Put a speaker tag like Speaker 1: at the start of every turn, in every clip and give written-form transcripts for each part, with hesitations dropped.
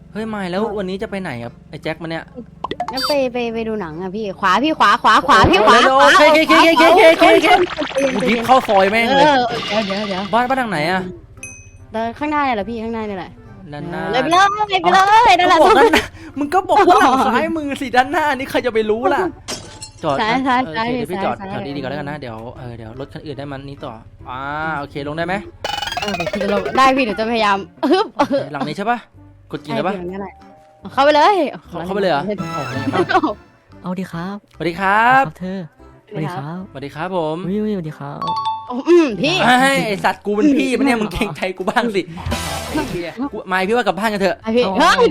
Speaker 1: เฮ้ยไม่แล้ววันนี้จะไปไหนครับไอ้แจ็คมันเนี่ย
Speaker 2: งั้นไปดูหนังอะพี่ขวาพี่ขวาพี่ขวา
Speaker 1: โอเคกูยิบเข้าซอยแม่งเลย
Speaker 2: เดี๋ยว
Speaker 1: บ้านทางไหนอะ
Speaker 2: เดินข้างหน้าเนี่ยแหละพี่ข้างหน้าเนี่ยแหละ
Speaker 1: ด้านหน้า
Speaker 2: เลยไปเลยนั่นแหละ
Speaker 1: บอกด้านหน้ามึงก็บอกว่าหลังซ้ายมือสิด้านหน้านี่ใครจะไปรู้ล่ะจอดเดี๋ยวพี่จอดแถวนี้ดีก่อนแล้วกันนะเดี๋ยวรถคันอื่นได้มันนี้ต่อโอเคลงได้ไหม
Speaker 2: ได้พี่เดี๋ยวจะพยายาม
Speaker 1: หลังนี้ใช่ปะกดกินได้ปะ
Speaker 2: เข้าไปเลย
Speaker 1: เข้าไปเลยเหรอ
Speaker 3: เอาดีครับ
Speaker 1: สวัสดีครับ
Speaker 3: เธอสวัสดีครับ
Speaker 1: สวัสดีครับผม
Speaker 3: วิวสวัสดีครับ
Speaker 2: พี่
Speaker 1: ไอสัตว์กูเป็นพี่มันเนี่ยมึงเก่งใจกูบ้างสิไม่พี่ว่ากลับบ้านกันเถอะ
Speaker 2: พี่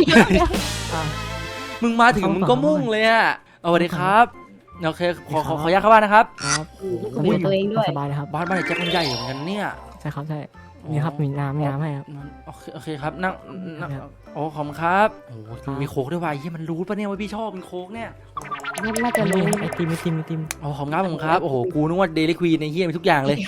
Speaker 1: มึงมาถึงมึงก็มุ่งเลยอ่ะสวัสดีครับโอเคขออนุญาตเข้าบ้านนะครับ
Speaker 3: ครับ
Speaker 2: ตัวเองด้วย
Speaker 3: สบายนะครับ
Speaker 1: บ้านไอ้แจ็คมันใหญ่เหมือนกันเนี่ย
Speaker 3: ใช่ครับใช่นี่ครับมีน้ำให้ครับ
Speaker 1: โอเคครับนั่งโอ้ขอบคุณครับโอ้มีโค้กด้วยว่ะยี่มันรู้ปะเนี่ยว่าพี่ชอบเป็นโค้กเนี่ย
Speaker 2: น่าจะรู้
Speaker 3: ไอติม
Speaker 1: อ๋อขอบคุณครับโอ้โหกูนึกว่าเดลิควีนในเฮียมีทุกอย่างเลย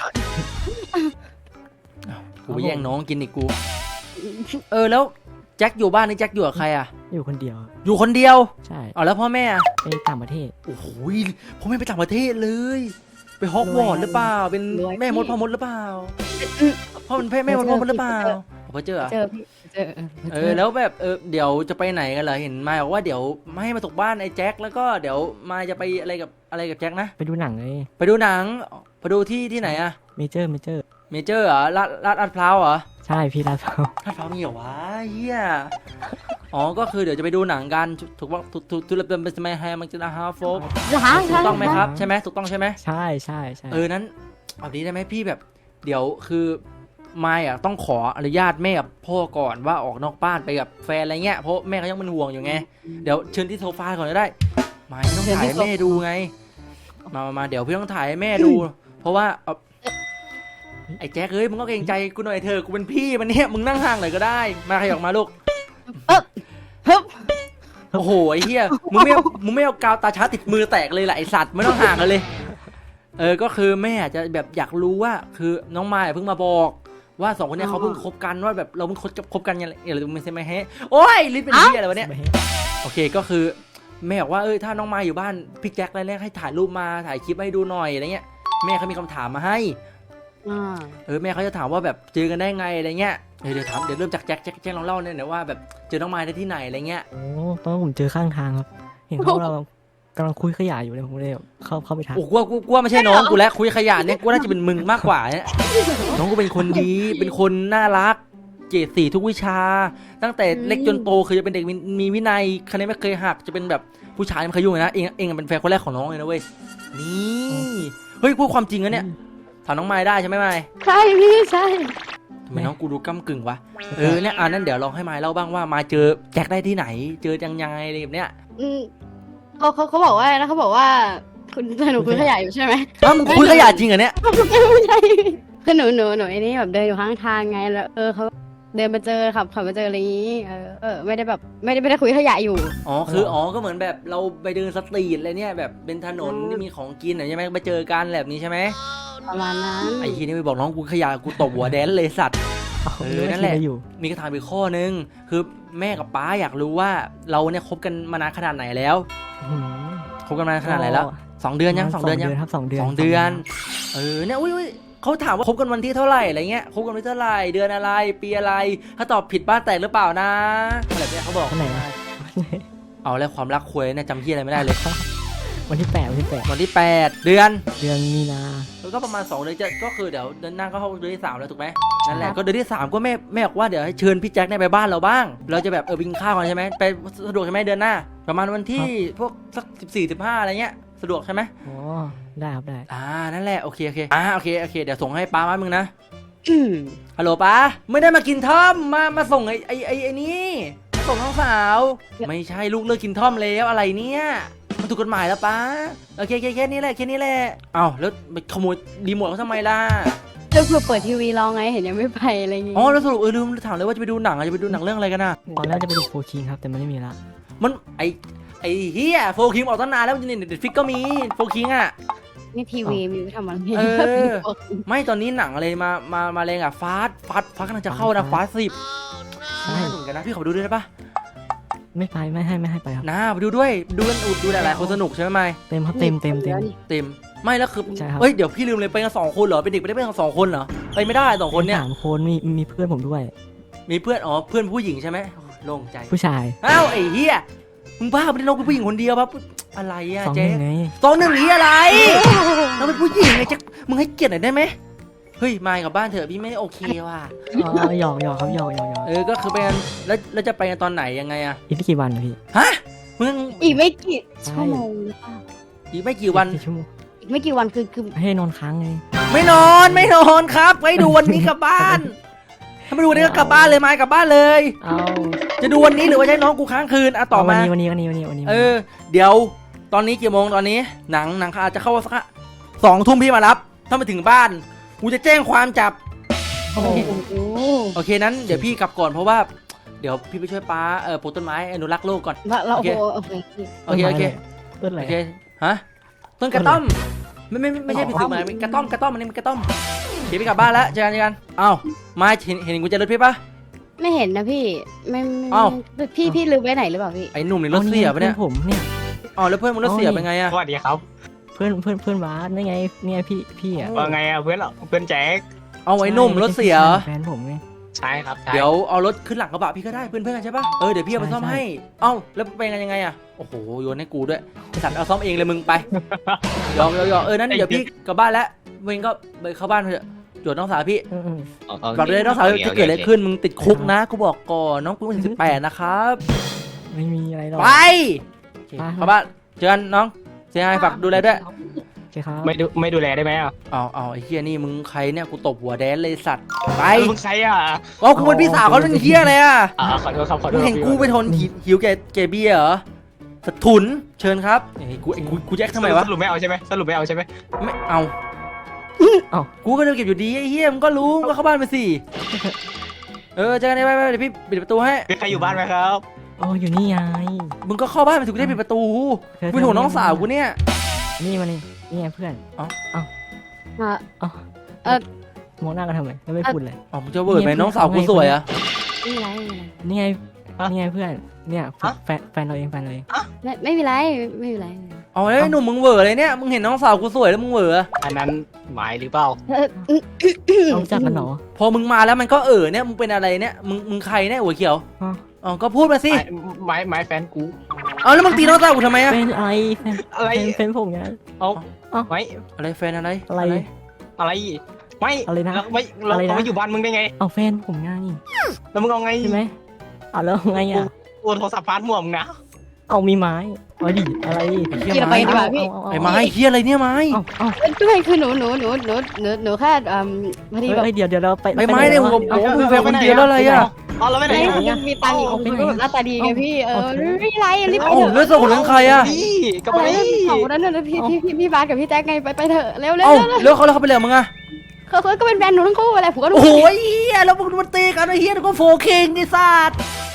Speaker 1: กูไปแย่งน้องกินอีกกูแล้วแจ็คอยู่บ้านนี่แจ็คอยู่กับใครอ่ะ
Speaker 3: อยู่คนเดียว
Speaker 1: อยู่คนเดียว
Speaker 3: ใช่
Speaker 1: แล้วพ่อแม่
Speaker 3: ไปต่างประเทศ
Speaker 1: โอ้โหพ่อแม่ไปต่างประเทศเลยไปฮอกวอตส์หรือเปล่าเป็นแม่มดพ่อมดหรือเปล่าพ่อเป็นแม่มดพ่อมดหรือเปล่าพ่อเจอแล้วแบบเดี๋ยวจะไปไหนกันเหรอเห็นมาบอกว่าเดี๋ยวไม่ให้มาตกบ้านไอ้แจ็คแล้วก็เดี๋ยวมาจะไปอะไรกับแจ็คนะ
Speaker 3: ไปดูหนังเลย
Speaker 1: ไปดูหนังไปดูที่ไหนอะ
Speaker 3: เมเจอร์
Speaker 1: เหรอลาดพร้าวเหรอ
Speaker 3: ใช่พี่ลาดพร้าว
Speaker 1: มีเหรอวะเฮียก็คือเดี๋ยวจะไปดูหนังกันถูกทุเรศเป็นสมัยแฮมันจะนะฮะโฟกถูกต้องไหมครับใช่ไหมถูกต้องใช่ไหม
Speaker 3: ใช่
Speaker 1: นั้นเอาดีได้ไหมพี่แบบเดี๋ยวคือไม่อะต้องขออนุญาตแม่กับพ่อก่อนว่าออกนอกบ้านไปกับแฟนอะไรเงี้ยเพราะแม่เขายังเป็นห่วงอยู่ไงเดี๋ยวเชิญที่โซฟาก่อนก็ได้ไม่ต้องถ่ายให้แม่ดูไงมาเดี๋ยวพี่ต้องถ่ายให้แม่ดู เพราะว่าไอ้แจ็คมึงก็เกรงใจกูหน่อยเถอะกูเป็นพี่มันเนี่ยมึงนั่งห่างหน่อยก็ได้มาใครออกมาลูกโอ้โหไอ้เหี้ยมึงไม่เอากาวตาช้าติดมือแตกเลยแหละไอสัตว์ไม่ต้องห่างกันเลยก็คือแม่จะแบบอยากรู้ว่าคือน้องมายเพิ่งมาบอกว่า2คนนี้เขาเพิ่งคบกันว่าแบบเราเพิ่งคบกันยังไงหรือไม่ใช่ไหมฮะโอ้ยลิ้นเป็นเหี้ยอะไรวะเนี่ยโอเคก็คือแม่บอกว่าถ้าน้องมายอยู่บ้านพี่แจ็คแรกให้ถ่ายรูปมาถ่ายคลิปให้ดูหน่อยอะไรเงี้ยแม่เขามีคำถามมาให้แม่เขาจะถามว่าแบบเจอกันได้ไงอะไรเงี้ยเดี๋ยวเริ่มจากแจ็คลองเล่าเนี่ยว่าแบบเจอน้องมายได้ที่ไหนอะไรเงี้ย
Speaker 3: ตอนผมเจอข้างทางครับเห็นเขาเรากำลังคุยขยะอยู่เลยผมเลยเข้าไปทัก
Speaker 1: กูว่าไม่ใช่น้องกูแล้วคุยขยะเนี่ยกูน่าจะเป็นมึงมากกว่าเนี่ยน้องกูเป็นคนดีเป็นคนน่ารักเกรด4ทุกวิชาตั้งแต่เล็กจนโตคือจะเป็นเด็กมีวินัยคะแนนไม่เคยหักจะเป็นแบบผู้ชายไม่เคยยุ่งเลยนะเองเป็นแฟนคนแรกของน้องเลยนะเว้ยนี่เฮ้ยพูดความจริงนะเนี่ยถามน้องไม้ได้ใช่ไหมไม้
Speaker 2: ใช่พี่ใช่
Speaker 1: ทำไมน้องกูดูก้ำกึ่งวะเนี่ยนั่นเดี๋ยวลองให้ไม้เล่าบ้างว่ามาเจอแจ็คได้ที่ไหนเจอยังไงอะไรแบบเนี้ย
Speaker 2: เขาบอกว่านะเขาบอกว่าคุณหนูคุยขยะอยู่ใช่ไหม
Speaker 1: มึงคุยขยะจริงเหรอเนี่ย
Speaker 2: ไม่ใช่คือหนูไอ้นี่แบบเดินอยู่ข้างทางไงแล้วเขาเดินมาเจอขับมาเจออะไรอย่างนี้ไม่ได้แบบไม่ได้คุยขยะอยู่
Speaker 1: ก็เหมือนแบบเราไปเดินสตรีทอะไรเนี่ยแบบเป็นถนนที่มีของกินใช่ไหมไปเจอกันแบบนี้ใช่ไหม
Speaker 2: ประมาณนั้น
Speaker 1: ไอ้ทีนี่ไปบอกน้องกูขยะกูตบหัวแดนเลยสัตว์นั่นแหละมีคำถามอีกข้อนึงคือแม่กับป้าอยากรู้ว่าเราเนี่ยคบกันมานานขนาดไหนแล้วคบกันมานานขนาดไหนแล้ว2 เดือนยัง2 เดือนยัง
Speaker 3: ครับ2 เดือน
Speaker 1: เนี่ยอุ้ยเขาถามว่าคบกันวันที่เท่าไหร่อะไรเงี้ยคบกันวันที่เท่าไหร่เดือนอะไรปีอะไรถ้าตอบผิดบ้านแตกหรือเปล่านะอะไรเนี่ยเขาบอก
Speaker 3: ไหน
Speaker 1: เอาแล้วความรักคุยเนี่ยจำที่อะไรไม่ได้เลย
Speaker 3: วันที่8
Speaker 1: เดือน
Speaker 3: มีนา
Speaker 1: แล้วก็ประมาณ2 เดือนก็คือเดี๋ยวเดือนหน้าก็เข้าเดือนที่3แล้วถูกไหมนั่นแหละก็เดือนที่3ก็แม่บอกว่าเดี๋ยวให้เชิญพี่แจ็คไปบ้านเราบ้างเราจะแบบไปกินข้าวกันใช่ไหมไปสะดวกใช่ไหมเดือนหน้าประมาณวันที่พวกสัก14-15อะไรเงี้ยสะดวกใช่ไหม
Speaker 3: ได้ครับได้
Speaker 1: นั่นแหละโอเคโอเคเดี๋ยวส่งให้ป้ามามึงนะฮัลโหลป้าไม่ได้มากินท่อมมาส่งไอ้นี่มาส่งน้องสาวไม่ใช่ลูกเลิกกินท่อมแล้วอะไรเนี่ยมันถูกกฎหมายแล้วป้าโอเคแค่นี้แหละอ้าวแล้วไปขโมยรีโมทเขาทำไมล่ะ
Speaker 2: จะเปิดทีวีรอไงเห็นยังไม่ไปอะไรอย่างงี้
Speaker 1: แล้วสรุปลืมถามเลยว่าจะไปดูหนังเรื่องอะไรกันน่ะ
Speaker 3: ตอนแรกจะไปดูโฟคิงครับแต่มันไม่มีละ
Speaker 1: มันไอเฮียโฟคิงออกตั้งนานแล้วมันจะเน็ตฟิกก็มีโฟคิงอ่ะ
Speaker 2: นี่ทีวีมีทำอะไร
Speaker 1: ไม่ตอนนี้หนังอะไรมาแรงอ่ะฟาสกำลังจะเข้านะฟาส10ใช่เหมือนกันนะพี่ขอดูด้วยได้ปะ
Speaker 3: ไม่ไปไม่ให้ไปครับ
Speaker 1: นะไปดูด้วยดูกันดูหลายๆคนสนุกใช่ไหมไม่
Speaker 3: เต็มครับเต็ม
Speaker 2: เ
Speaker 1: เต็มไม่แล้วคือ
Speaker 3: ใช่ครับ
Speaker 1: เฮ้ยเดี๋ยวพี่ลืมเลยไปกัน2 คนเหรอเป็นเด็กไปได้ไปกัน2 คนเหรอไปไม่ได้2 คนเนี่ย
Speaker 3: 3 คนมีเพื่อนผมด้วย
Speaker 1: มีเพื่อนอ๋อเพื่อนผู้หญิงใช่ไหมโล่งใจ
Speaker 3: ผู้ชาย
Speaker 1: อ้าวไอ้เหี้ยมึงบ้าไปได้น้องเป็นผู้หญิงคนเดียวปะอะไรอะ
Speaker 3: 2
Speaker 1: เจ๊
Speaker 3: 1ไง
Speaker 1: 2-1นี้อะไรเราเป็นผู้หญิงไงแจ็คมึงให้เกียรติหน่อยได้ไหมเฮ้ยมายกลับบ้านเถอะพี่ไม่โอเคว่ะ
Speaker 3: อ๋อหยอกครับหยอก
Speaker 1: ก็คือไปกันแล้วจะไปกันตอนไหนยังไงอะ
Speaker 3: อีกไม่กี่วันนะพี่
Speaker 1: ฮะมึง
Speaker 2: อีกไม่กี่ชั่วโมงหรือเปล่า
Speaker 1: อีกไม่กี่วัน
Speaker 3: กี่ชั่วโมง
Speaker 2: อีกไม่กี่วันคือ
Speaker 3: ให้นอนค้างไง
Speaker 1: ไม่นอนครับไปดูวันนี้กลับบ้านถ้าไม่ดูวันนี้ก็กลับบ้านเลยมายกลับบ้านเลย
Speaker 3: เอา
Speaker 1: จะดูวันนี้หรือว่าจะให้น้องกูค้างคืนอะต่อมา
Speaker 3: วันนี้
Speaker 1: เดี๋ยวตอนนี้กี่โมงตอนนี้หนังอาจจะเข้าสัก2 ทุ่มพี่มารับถ้ามาถึงบ้านกูจะแจ้งความจับ
Speaker 3: โอ้โห
Speaker 2: โอ้โห
Speaker 1: โอเคนั้นเดี๋ยวพี่กลับก่อนเพราะว่าเดี๋ยวพี่ไปช่วยป้าปลูกต้นไม้อนุรักษ์โลกก่อน
Speaker 2: เรา
Speaker 1: โอเค
Speaker 2: โอเค
Speaker 1: โอเค
Speaker 3: ต้นอะไร
Speaker 1: โอเคฮะต้นกระต้อมไม่ใช่ผิดสูตรมันกระต้อมอันนี้มันกระต้อมเดี๋ยวพี่กลับบ้านแล้วเจอกันเอ้ามาเห็นกุญแจรถพี่ปะ
Speaker 2: ไม่เห็นนะพี่ไม่
Speaker 1: เอ้า
Speaker 2: พี่ลืมไว้ไหนหรือเปล่าพี่
Speaker 1: ไอ้หนุ่มนี่รถเสียปะเนี่ย
Speaker 3: ผมเนี่ย
Speaker 1: อ๋อแล้วเพื่อนมึงรถเสียเป็นไงอะ
Speaker 4: สวัสดีครับ
Speaker 3: เพื่อนบาสนี่ไงเนี่ยพี่อ่ะ
Speaker 4: ว่าไงอ่ะเพื่อนเหรอเพื่อนแจ็ค
Speaker 1: เอาไอ้หนุ่มรถเสีย
Speaker 3: แฟนผมไง
Speaker 4: ใช่ครับใช่
Speaker 1: เดี๋ยวเอารถขึ้นหลังกระบะพี่ก็ได้เพื่อนกันใช่ปะเดี๋ยวพี่เอาไปซ่อม
Speaker 3: ใช่
Speaker 1: ให้เอ้าแล้วเป็นยังไงอะโอ้โหโยนให้กูด้วยไอ้สัตว์เอาซ่อมเองเลยมึงไปยอมนั้นเดี๋ยวพี่กลับบ้านแล้วมึงก็ไปเข้าบ้านเถอะจวดน้องสาวพี่
Speaker 3: อืม
Speaker 1: บอกเลยน้องสาวจะเกิดอะไรขึ้นมึงติดคุกนะกูบอกก่อนน้องกูไม่ถึง18นะครับ
Speaker 3: ไม่มีอะไรหรอก
Speaker 1: ไปโอเคเข้าบ้านเจอกันน้องเสียหายฝากดูแลด้วย
Speaker 3: ใช่ครับ
Speaker 4: ไม่ดูแลได้ไหมอ่ะ
Speaker 1: เอาไอ้เฮียนี่มึงใครเนี่ยกูตบหัวแดนเลยสัตว์ไป
Speaker 4: มึงใครอ่ะ
Speaker 1: เอากูเป็นพี่สาวเขาเป็นเฮียอะไรอะ
Speaker 4: ขอโทษครับขอโท
Speaker 1: มึ
Speaker 4: ษ
Speaker 1: งเห็นกูไปทนหิวแกเบียร์เหรอสะทุนเชิญครับไอ้กูแจ็คทำไมวะ
Speaker 4: สรุปไม่เอาใช่ไหมสรุปไม่เอาใช่ไหม
Speaker 1: ไม่เอากูก็เดินเก็บอยู่ดีไอ้เฮียมึงก็รู้มึงก็เข้าบ้านไปสิเจอกันไปเดี๋ยวพี่ปิดประตูให้
Speaker 4: มีใครอยู่บ้านไหมครับ
Speaker 3: อ๋ออยู่นี่ไง
Speaker 1: มึงก็เข้าบ้านไปสิกูได้ปิดประตูกูเป็นห่วงน้องสาวกูเนี่ย
Speaker 3: นี่มานี่ไงเพื่อน
Speaker 2: มา
Speaker 3: มองหน้ากันทำไมไม่พูดเลย
Speaker 1: อ๋อมึงจะเวิร์ดไหมน้องสาวกูสวยอะ
Speaker 2: ไม่มีไร
Speaker 3: นี่ไงเพื่อนเนี่ยแฟนเราเอง
Speaker 2: ไม่มีไรไม่มีไร
Speaker 1: เอาแล้วไอ้หนุ่มมึงเวิร์ดอะไรเนี่ยมึงเห็นน้องสาวกูสวยแล้วมึงเวิร์ดอะ
Speaker 4: อันนั้นหมายหรือเปล่า
Speaker 3: เราจักกันหรอ
Speaker 1: พอมึงมาแล้วมันก็เนี่ยมึงเป็นอะไรเนี่ยมึงใครเนี่ยหัวเขียว
Speaker 3: ฮะ
Speaker 1: อ๋อก็พูดมาสิ
Speaker 4: หมายแฟนกู
Speaker 1: เอาแล้วมึงตีน้องสาวกูทำไมอะ
Speaker 3: เป็นอะไร
Speaker 4: อะไร
Speaker 3: เป็นผมไง
Speaker 4: ไม่
Speaker 1: อะไรแฟนอะไร
Speaker 3: อะไร
Speaker 4: อะไรไม่
Speaker 3: อะไรนะ
Speaker 4: เราไม่เรา
Speaker 3: อะไรนะ
Speaker 4: ไม่อยู่บ้านมึงได้ไง
Speaker 3: เอาแฟนผมไง
Speaker 4: แล้วมึงเอาไง
Speaker 3: ใช่ไหมเอาแล้วไงอ่ะ
Speaker 4: โอนโทรศัพท์พาร์ทหม่วงนะ
Speaker 3: เอามีไม้เอาดิอะไร
Speaker 1: เฮีย
Speaker 2: เกี่ยวไป
Speaker 1: ไม้
Speaker 2: ดีกว่าพี่
Speaker 1: ไอ้ไม้เฮียอะไรเนี่ยไม้
Speaker 2: ด้วยคือหนูแค่พอดีแบบ
Speaker 3: เดี๋ยวเราไป
Speaker 1: ไอ้ไม้เนี่ยผมมึงแฟนคนเดียวแล้วอะไรอะ
Speaker 4: อ๋อเราไม่ไหน
Speaker 2: มีตังค์อีกหน้าตาดีไงพี่ไม่ไรรีบไป
Speaker 1: โอ้
Speaker 2: เถอะ
Speaker 1: เลือดสดของทั้งใครอะ
Speaker 4: นี่กับ
Speaker 2: อะไร
Speaker 4: ไอ้
Speaker 2: สองคนนั้นน่ะพี่บาสกับพี่แจ็คไงไปเถอะเร็ว
Speaker 1: เอ้าแล้วเขาไปเลยมึงอะ
Speaker 2: เขาก็เป็นแฟนหนูทั้งคู่อะไรผมก็
Speaker 1: โอ้โหเฮียแล้วมึงมันตีกันไอ้เฮียแล้วก็โฟคิงไอ้สัตว์